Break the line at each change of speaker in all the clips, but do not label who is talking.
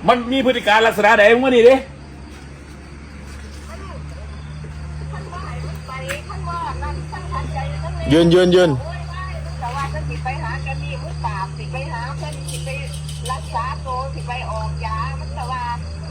มันมีพฤติการลักษณะไหนมึงมานี่ดิยืน
แต่ว่าจะสิไปหากันนี่มือปราบสิไปหาเพื่อนสิไปรักษาโตสิไปออกยามันแต่ว่า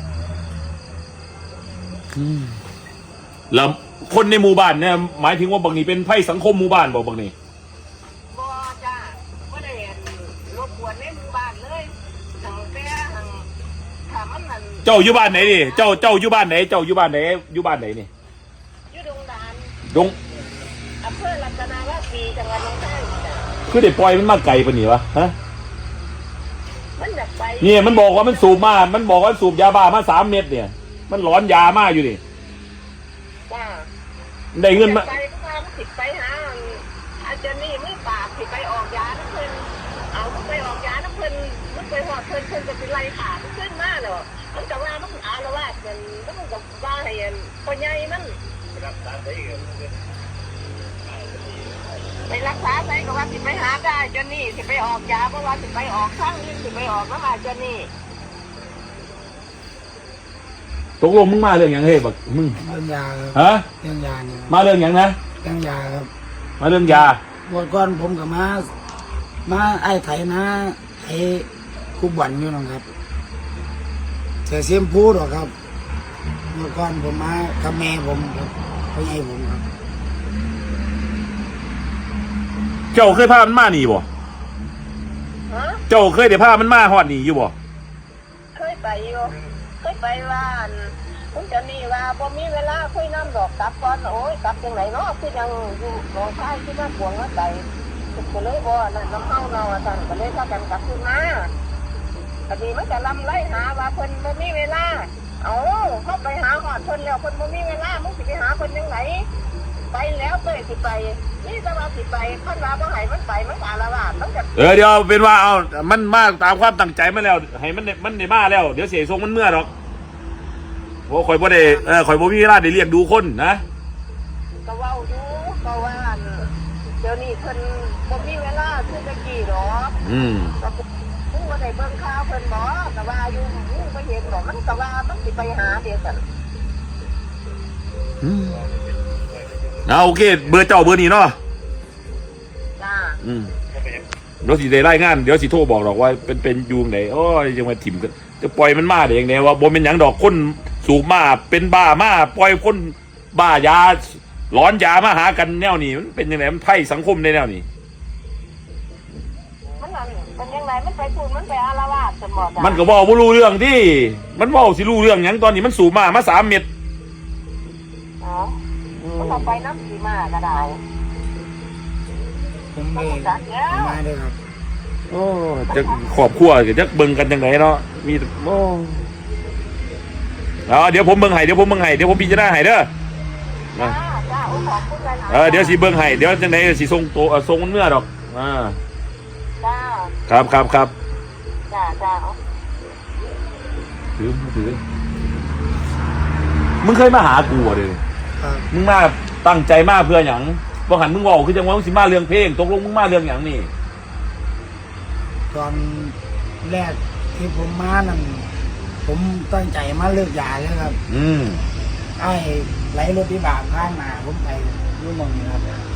แล้วคนในหมู่บ้านเนี่ยหมายถึงว่าบางนี้เป็นไพ่สังคมหมู่บ้านบอกบางนี้
บ่จ้าไม่ได้รบกวนในหมู่บ้านเลยทางแต่ทางถามมันนั่น
เจ้าอยู่บ้านไหนดิเจ้าอยู่บ้านไหนเจ้าอยู่บ้านไหนอยู่บ้านไหนนี่
อยู่ดงดาน
ดง
อำเภอรัตนาวาปีจังหวัดหนองคายจ้ะ
คือเด็กปล่อยมันมาไกลปะนี่วะฮะ
มันอยากไป
เนี่ยมันบอกว่ามันสูบมามันบอกว่าสูบยาบ้ามา3 เม็ดเนี่ยมันหลอนยามาอยู่นี่
จ้า
ได้เงินมา
ไปก็สิไปหาอาจารย์นี่มือปราบสิไปออกยาน้ำเพิ่นเอาไปออกยาน้ำเพิ่นมันไปหอดเพิ่นจะเป็นไรขาดขึ้นมาเนาะมันก็ว่ามันอาละวาดกันมันก็ว่าให้พ่อใหญ่มันไปรักษาใส่ก็ว่าสิไปหาได้จนนี่สิไปออกยาเพราะว่าสิไปออกข้างนึงสิไปออกแล้วมาจนนี่
ตกลงมึงมาเรื่องอย่างเฮ้ยบักมึง
เรื่องยาครับ
ฮะ
เรื่องยาเนี่ย
มาเรื่องอย่างนะ
เรื่องยาครับ
มาเรื่องยา
บวชก่อนผมกับมาไอ้ไถนะไอ้คุบวันอยู่นะครับเสียเสียมพูดหรอครับบวชก่อนผมมากับแม่ผมครับพ่อใหญ่ผมครับ
เจ้าเคยพามันมาหนีบ่เจ้าเคยได้พามันมาฮอดหนีอยู่บ่
เคยไปอยู่เคยไปว่าคุณจะนี่ว่าบ่มีเวลาคุยน้ำดอกกลับก่อนโอ้ยกลับจังไหนเนาะคือยังอยู่หนองคายที่มาปวงมาใจก็เลยบ่นั่นน้ำเฮาเนาะสั่นก็เลยพากันกลับขึ้นมาพอดีมันจะลำไล่หาว่าเพิ่นบ่มีเวลาเอาเข้าไปหาหอดเพิ่นแล้วเพิ่นบ่มีเวลามึงสิไปหาเพิ่นจังไหนไปแล้วเต้ยสิไปนี่จะมาสิไปคันว่าบ่ให้มันไปมันอาละวาดมันจะ
เดี๋ยวเป็นว่าเอามันมาตามความตั้งใจมาแล้วให้มันได้มาแล้วเดี๋ยวเสียทรงมันเมื่อหรอกโอ้ข่อยบ่ได้ข่อยบ่มีเวลาได้เรียกดูคนนะ
ก็เว้าอยู่ก็ว่าเดี๋ยวนี้เพิ่นบ่มีเวลาคือตะกี้หรอกก็มึงบ่ได้เบิ่งข่าวเพิ่นบ่ก็ว่าอยู่มึงบ่เห็นหรอกมันก็ว่ามันสิไปหาเดี๋ยวซั่น
โอเคเบอร์เจ้าเบอร์นี้เนาะ
จ้า
เดี๋ยวสิได้รายงานเดี๋ยวสิโทรบอกหรอกว่าเป็นยูงไหนโอ้ยยังมาถิ่มกันจะปล่อยมันมาได้ยังไงว่าบ่เป็นหยังดอกคนสูบมาเป็นบ้ามาปล่อยคนบ้ายาร้อนยามาหากันแนวนี้มันเป็นยังไงมันไพ่สังคมในแนวนี้
มันเป็นยังไงมันไปพูดมันไปอาละวาดสมอง
มันก็บอกว่ารู้เรื่องที่มันบอกสิรู้เรื่องหยังตอนนี้มันสูบมา3 เม็ด
มันออกไปน้ำสีมาก็ได้
ผมไม่ได้ครับ
โอ้จะขอบขั้วจะเบิ่งกันยังไงเนาะมีโอ้เดี๋ยวผมเบิ่งให้เดี๋ยวผมพิจารณาให้เด้อเดี๋ยวสิเบิ่งให้เดี๋ยวจังไหนสิส่งตัวส่งมันเมื่อดอกครับ
จ้า
ถือมึงเคยมาหากูอ่ะเด้อมึงมาตั้งใจมาเพื่อหยังบ่หันมึงบอกคือจังว่ามึงสิมาเรื่องเพลงตกลงมึงมาเรื่องหยังนี่
ตอนแรกที่ผมมานั่นผมตั้งใจมาเลิกยาแล้วครับไอ้ไหลรถที่บาปข้างมาผมไปรู้มองนี่ครับ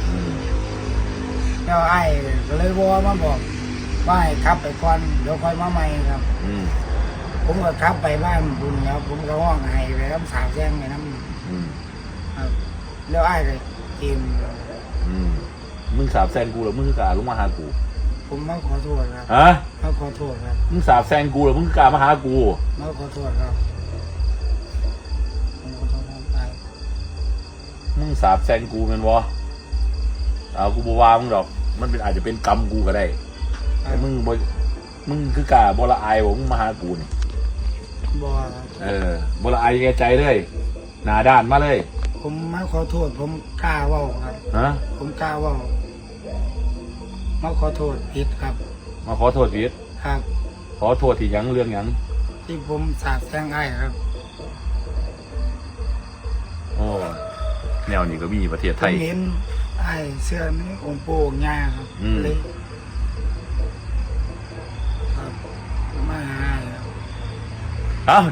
แล้วไอ้ก็เลยว่ามาบอกว่าให้ขับไปก่อนเดี๋ยวค่อยมาใหม่ครับผมก็ขับไปบ้านบุญแล้วผมก็ห้องไห้ไปน้ำสาวแจ้งไปน้ำแล้วไอ้เลยทีม
มึงสาบแซงกูหรือมึงคือกล้าลงมาหากู
ผมมาขอโทษครับมาขอโทษครับ
มึงสาบแซงกูหรือมึงกล้ามาหากู
มาขอโทษครับผมขอโทษไป
มึงสาบแซงกูมันวะกูบ่ว่ามึงดอกมันเป็นอาจจะเป็นกรรมกูก็ได้แต่มึงคือกล้าบ่ละอายมึงมาหากูนี่
บ่
บ่ละอายแกใจเลยหน้าด้านมาเลย
ผมมาขอโทษผมกล้าว่าครับผมกล้าว่ามาขอโทษผิดครับ
มาขอโทษผิด
ครับ
ขอโทษที่ยังเรื่องยัง
ที่ผมสาบแช่งไอ้ครับ
โอ้แนวนี้ก็มีประเทศไทย
เห็นไอ้เสื้อนี้องค์ปู่องค์ย่าครับเลย